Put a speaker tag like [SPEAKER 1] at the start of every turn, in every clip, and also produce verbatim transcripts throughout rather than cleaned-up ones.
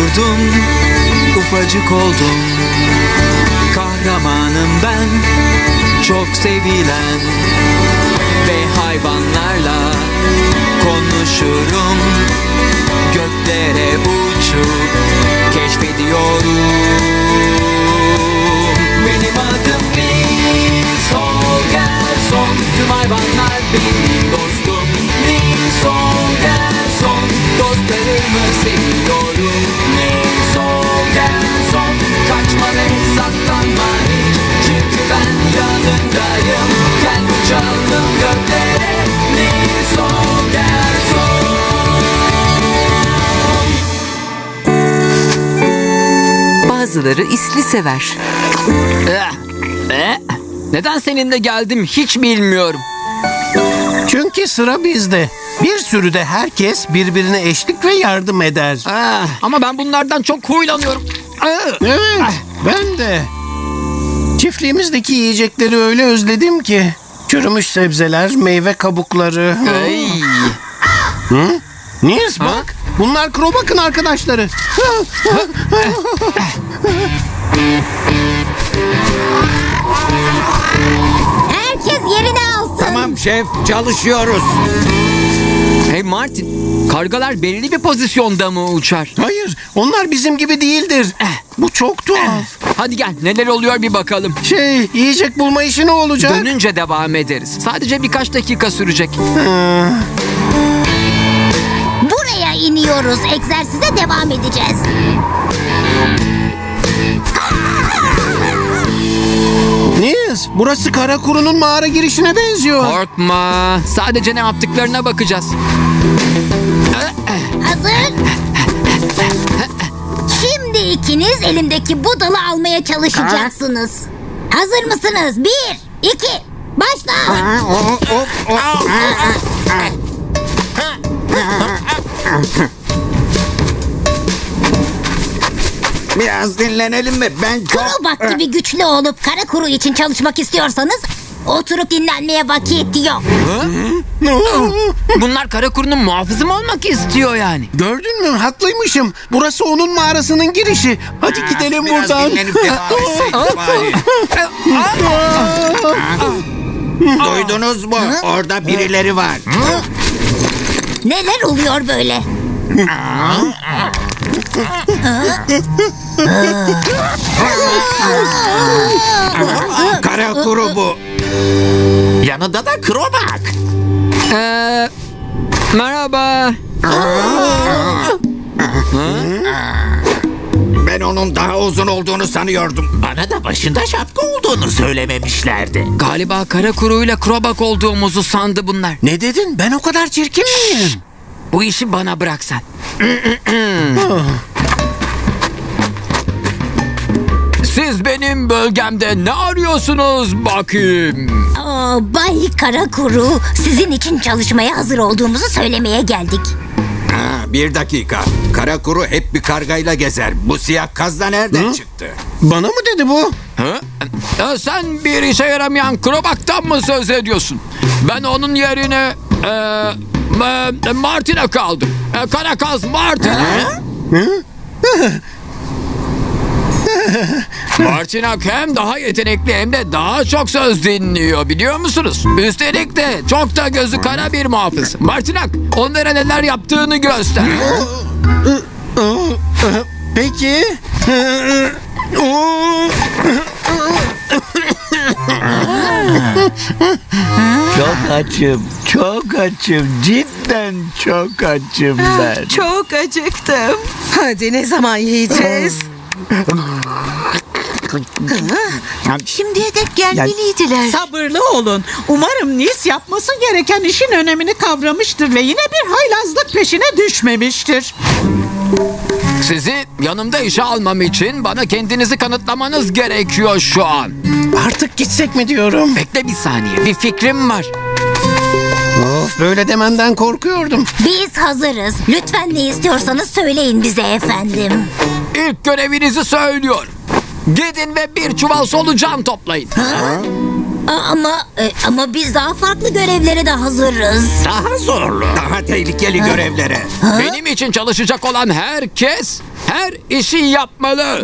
[SPEAKER 1] doğdum, ufacık oldum. Kahramanım ben, çok sevilen. Ve hayvanlarla konuşurum. Göklere uçup keşfediyorum. Benim adım Nils Holgersson. Tüm hayvanlar benim dostum. Nils Holgersson. Dostlarımı seviyorum. Nils Holgersson. Kaçma ve saklanma hiç. Çünkü ben yanındayım. Gel uçalım göklere. Nils Holgersson.
[SPEAKER 2] Bazıları isli sever.
[SPEAKER 3] Eh, eh. Neden seninle geldim hiç bilmiyorum.
[SPEAKER 4] Çünkü sıra bizde. Bir sürüde herkes birbirine eşlik ve yardım eder.
[SPEAKER 3] Ah, ama ben bunlardan çok huylanıyorum. Ah.
[SPEAKER 4] Evet, ben de. Çiftliğimizdeki yiyecekleri öyle özledim ki. Çürümüş sebzeler, meyve kabukları.
[SPEAKER 3] Ay.
[SPEAKER 4] Hı? Nils bak, bunlar Krobak'ın arkadaşları.
[SPEAKER 5] Herkes yerine alsın.
[SPEAKER 6] Tamam şef, çalışıyoruz.
[SPEAKER 3] Hey Martin, kargalar belli bir pozisyonda mı uçar?
[SPEAKER 4] Hayır, onlar bizim gibi değildir. Bu çok tuhaf.
[SPEAKER 3] Hadi gel, neler oluyor bir bakalım.
[SPEAKER 4] Şey, yiyecek bulma işi ne olacak?
[SPEAKER 3] Dönünce devam ederiz. Sadece birkaç dakika sürecek.
[SPEAKER 4] Hı.
[SPEAKER 5] Buraya iniyoruz. Egzersize devam edeceğiz.
[SPEAKER 4] Nils, burası Karakuru'nun mağara girişine benziyor.
[SPEAKER 3] Korkma, sadece ne yaptıklarına bakacağız.
[SPEAKER 5] Hazır. Şimdi ikiniz elimdeki bu dalı almaya çalışacaksınız. Hazır mısınız? Bir, iki, başla.
[SPEAKER 6] Biraz dinlenelim mi? Ben çok...
[SPEAKER 5] Krobak gibi güçlü olup kara kuru için çalışmak istiyorsanız oturup dinlenmeye vakit yok.
[SPEAKER 3] Bunlar Karakuru'nun muhafızı mı olmak istiyor yani?
[SPEAKER 4] Gördün mü? Haklıymışım. Burası onun mağarasının girişi. Hadi gidelim
[SPEAKER 6] Biraz
[SPEAKER 4] buradan.
[SPEAKER 6] dinlenip devam etsek bari. Duydunuz mu? Orada birileri var.
[SPEAKER 5] Neler oluyor böyle?
[SPEAKER 6] Kara kuru bu. Yanında da Krobak.
[SPEAKER 3] Ee, merhaba.
[SPEAKER 6] Ben onun daha uzun olduğunu sanıyordum. Bana da başında şapka olduğunu söylememişlerdi.
[SPEAKER 3] Galiba Karakuru'yla Krobak olduğumuzu sandı bunlar.
[SPEAKER 4] Ne dedin? Ben o kadar çirkin miyim?
[SPEAKER 3] Bu işi bana bırak sen. Siz benim bölgemde ne arıyorsunuz bakayım?
[SPEAKER 5] Aa, Bay Karakuru, sizin için çalışmaya hazır olduğumuzu söylemeye geldik.
[SPEAKER 6] Ha, bir dakika. Kara kuru hep bir kargayla gezer. Bu siyah kaz da nereden çıktı?
[SPEAKER 4] Bana mı dedi bu?
[SPEAKER 3] Ha? Ee, sen bir işe yaramayan Krobak'tan mı söz ediyorsun? Ben onun yerine e, e, Martin'e kaldım. E, Karakaz Martin'e. Martinak hem daha yetenekli hem de daha çok söz dinliyor, biliyor musunuz? Üstelik de çok da gözü kara bir muhafız. Martinak, onlara neler yaptığını göster.
[SPEAKER 4] Peki.
[SPEAKER 7] Çok açım, çok açım, cidden çok açım ben.
[SPEAKER 2] Çok acıktım. Hadi ne zaman yiyeceğiz? Şimdiye dek gelmeliydiler.
[SPEAKER 8] Sabırlı olun. Umarım Nils yapması gereken işin önemini kavramıştır ve yine bir haylazlık peşine düşmemiştir.
[SPEAKER 3] Sizi yanımda işe almam için bana kendinizi kanıtlamanız gerekiyor şu an.
[SPEAKER 4] Artık gitsek mi diyorum.
[SPEAKER 3] Bekle bir saniye, bir fikrim var.
[SPEAKER 4] Of, böyle demenden korkuyordum.
[SPEAKER 5] Biz hazırız. Lütfen ne istiyorsanız söyleyin bize efendim.
[SPEAKER 3] İlk görevinizi söylüyorum. Gidin ve bir çuval solucan toplayın.
[SPEAKER 5] Ama e, ama biz daha farklı görevlere de hazırız.
[SPEAKER 6] Daha zorlu. Daha tehlikeli görevlere.
[SPEAKER 3] Benim için çalışacak olan herkes her işi yapmalı.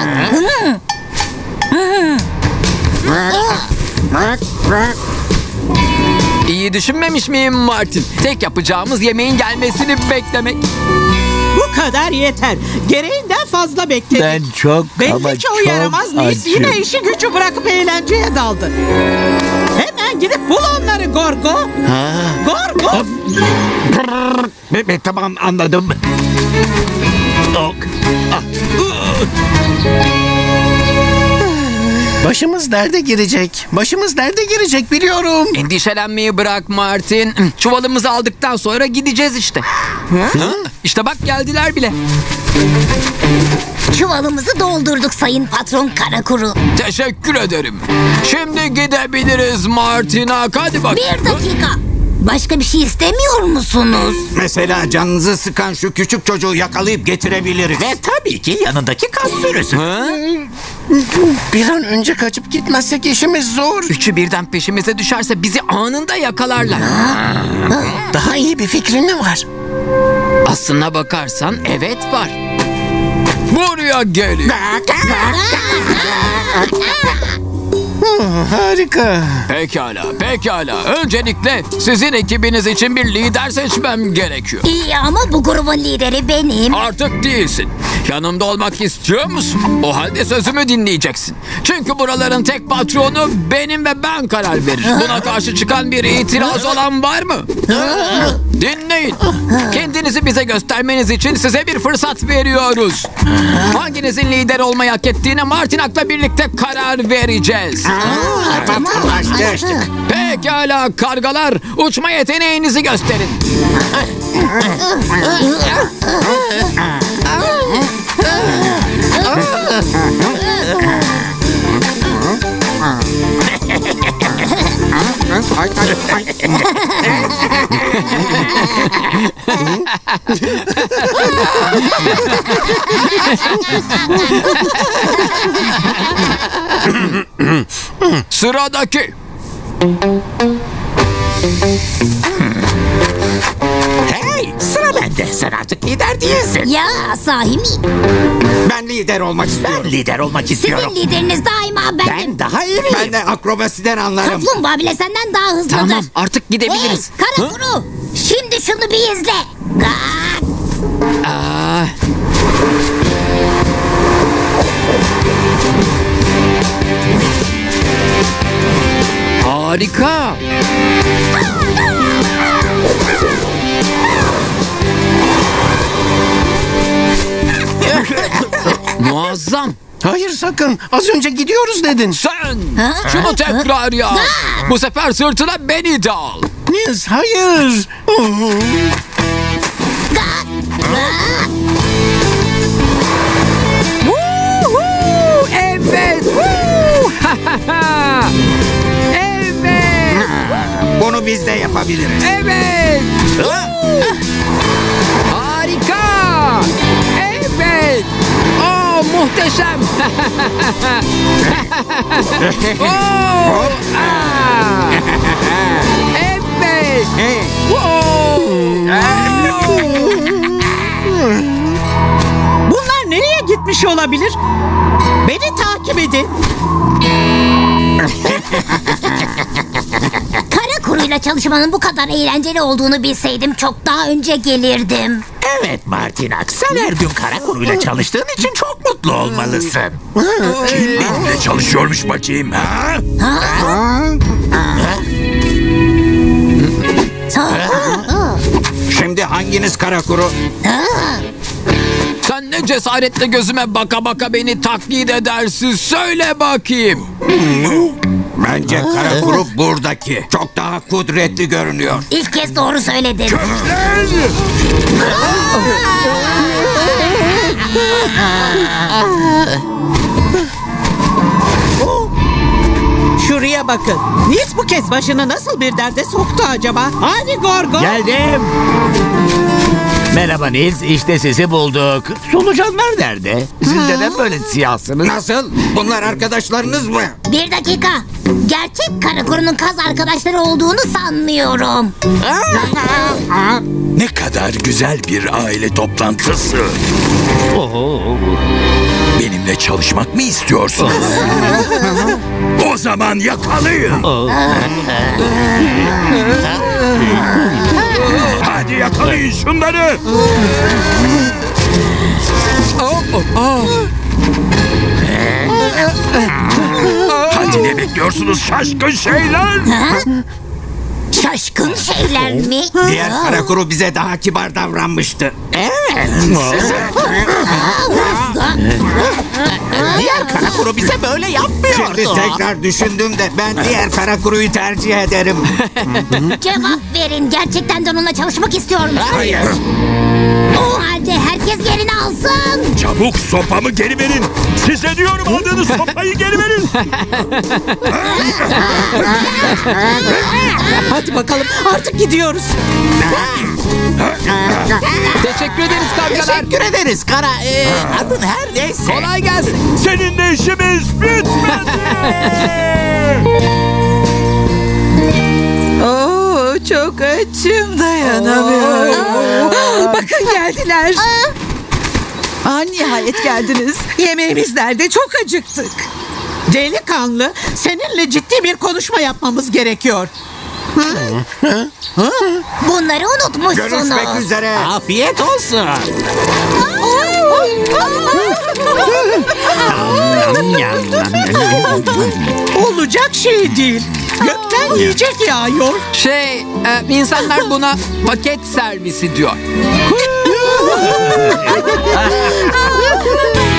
[SPEAKER 3] İyi düşünmemiş miyim Martin? Tek yapacağımız yemeğin gelmesini beklemek.
[SPEAKER 8] Bu kadar yeter. Gereğinden fazla bekledik.
[SPEAKER 7] Ben çok ama
[SPEAKER 8] Belli ki o
[SPEAKER 7] çok
[SPEAKER 8] yaramaz Nils
[SPEAKER 7] açım.
[SPEAKER 8] yine işi gücü bırakıp eğlenceye daldı. Hemen gidip bul onları Gorgo. Gorgo.
[SPEAKER 7] Be- be- Tamam anladım. Ok. Ah.
[SPEAKER 4] Başımız derde girecek. Başımız derde girecek biliyorum.
[SPEAKER 3] Endişelenmeyi bırak Martin. Çuvalımızı aldıktan sonra gideceğiz işte. Ha? İşte bak geldiler bile.
[SPEAKER 5] Çuvalımızı doldurduk sayın patron Karakuru.
[SPEAKER 3] Teşekkür ederim. Şimdi gidebiliriz Martina. Hadi bak.
[SPEAKER 5] Bir dakika. Başka bir şey istemiyor musunuz?
[SPEAKER 6] Mesela canınızı sıkan şu küçük çocuğu yakalayıp getirebiliriz.
[SPEAKER 7] Ve tabii ki yanındaki kas sürüsü.
[SPEAKER 3] Ha?
[SPEAKER 4] Bir an önce kaçıp gitmezsek işimiz zor.
[SPEAKER 3] Üçü birden peşimize düşerse bizi anında yakalarlar.
[SPEAKER 4] Daha iyi bir fikrin mi var?
[SPEAKER 3] Aslına bakarsan evet var. Buraya gelin.
[SPEAKER 4] Harika.
[SPEAKER 3] Pekala, pekala. Öncelikle sizin ekibiniz için bir lider seçmem gerekiyor.
[SPEAKER 5] İyi ama bu grubun lideri benim.
[SPEAKER 3] Artık değilsin. Yanımda olmak istiyor musun? O halde sözümü dinleyeceksin. Çünkü buraların tek patronu benim ve ben karar verir. Buna karşı çıkan bir itiraz olan var mı? Dinleyin. Kendinizi bize göstermeniz için size bir fırsat veriyoruz. Hanginizin lider olmayı hak ettiğine Martinak'la birlikte karar vereceğiz.
[SPEAKER 6] Tamam, anlaştık.
[SPEAKER 3] Pekala kargalar, uçma yeteneğinizi gösterin. Sıradaki.
[SPEAKER 7] Hey, sıra bende. Sen artık lider değilsin.
[SPEAKER 5] Ya sahi mi?
[SPEAKER 6] Ben lider olmak istiyorum.
[SPEAKER 7] Ben lider olmak istiyorum.
[SPEAKER 5] Sizin lideriniz daima benim.
[SPEAKER 7] Ben daha iyiyim.
[SPEAKER 6] Ben de akrobasiden anlarım.
[SPEAKER 5] Kaplumbağa bile senden daha hızlıdır.
[SPEAKER 3] Tamam artık gidebiliriz.
[SPEAKER 5] Hey Karakuru. Şimdi şunu bir izle. Gak.
[SPEAKER 3] Aa. Harika. Muazzam.
[SPEAKER 4] Hayır sakın. Az önce gidiyoruz dedin.
[SPEAKER 3] Sen şunu tekrar yap. Bu sefer sırtına beni de al.
[SPEAKER 4] Nils hayır.
[SPEAKER 3] Woohoo! Evet. Woo! Evet.
[SPEAKER 6] Bunu biz de yapabiliriz.
[SPEAKER 3] Evet. Harika. Evet. Oh muhteşem. Oh, ah. Evet. Wow.
[SPEAKER 8] Bunlar nereye gitmiş olabilir? Beni takip edin.
[SPEAKER 5] Karakuru'yla çalışmanın bu kadar eğlenceli olduğunu bilseydim çok daha önce gelirdim.
[SPEAKER 7] Evet Martinak, sen her gün Karakuru'yla çalıştığın için çok mutlu olmalısın. Kim benimle çalışıyormuş bakayım? Ha?
[SPEAKER 6] Şimdi hanginiz Karakuru?
[SPEAKER 3] Sen ne cesaretle gözüme baka baka beni taklit edersin. Söyle bakayım.
[SPEAKER 6] Bence Karakuru buradaki. Çok daha kudretli görünüyor.
[SPEAKER 5] İlk kez doğru söyledim.
[SPEAKER 8] Şuraya bakın. Nils bu kez başını nasıl bir derde soktu acaba? Hadi Gorgo.
[SPEAKER 7] Geldim. Merhaba Nils, işte sizi bulduk. Solucanlar nerede? Siz neden böyle siyahsınız?
[SPEAKER 6] Nasıl? Bunlar arkadaşlarınız mı?
[SPEAKER 5] Bir dakika. Gerçek Karakuru'nun kaz arkadaşları olduğunu sanmıyorum.
[SPEAKER 7] Ne kadar güzel bir aile toplantısı. Benimle çalışmak mı istiyorsun? O zaman yakalayın. Hadi yakalayın şunları. Hadi ne bekliyorsunuz şaşkın şeyler?
[SPEAKER 5] Şaşkın şeyler mi?
[SPEAKER 6] Diğer kara kuru bize daha kibar davranmıştı.
[SPEAKER 7] Diğer kara kuru bize böyle yapmıyordu.
[SPEAKER 6] Şimdi tekrar düşündüm de ben diğer kara kuruyu tercih ederim.
[SPEAKER 5] Cevap verin. Gerçekten de onunla çalışmak istiyor musun?
[SPEAKER 6] Hayır.
[SPEAKER 5] O halde herkes yerini alsın.
[SPEAKER 7] Çabuk sopamı geri verin. Size diyorum aldığınız sopayı geri verin.
[SPEAKER 8] Hadi bakalım artık gidiyoruz.
[SPEAKER 3] Teşekkür ederiz kargalar.
[SPEAKER 7] Teşekkür ederiz kara. Ee, adın her neyse.
[SPEAKER 3] Kolay gelsin.
[SPEAKER 7] Seninle işimiz bitmedi.
[SPEAKER 2] Oo, çok açım, dayanamıyorum. Bakın geldiler. Aa, nihayet geldiniz. Yemeğimiz nerede? Çok acıktık.
[SPEAKER 8] Delikanlı, seninle ciddi bir konuşma yapmamız gerekiyor.
[SPEAKER 5] Bunları unutmuşsunuz.
[SPEAKER 6] Görüşmek üzere.
[SPEAKER 7] Afiyet olsun.
[SPEAKER 8] Olacak şey değil. Gökten yiyecek yağıyor.
[SPEAKER 3] Şey, e, insanlar buna paket servisi diyor.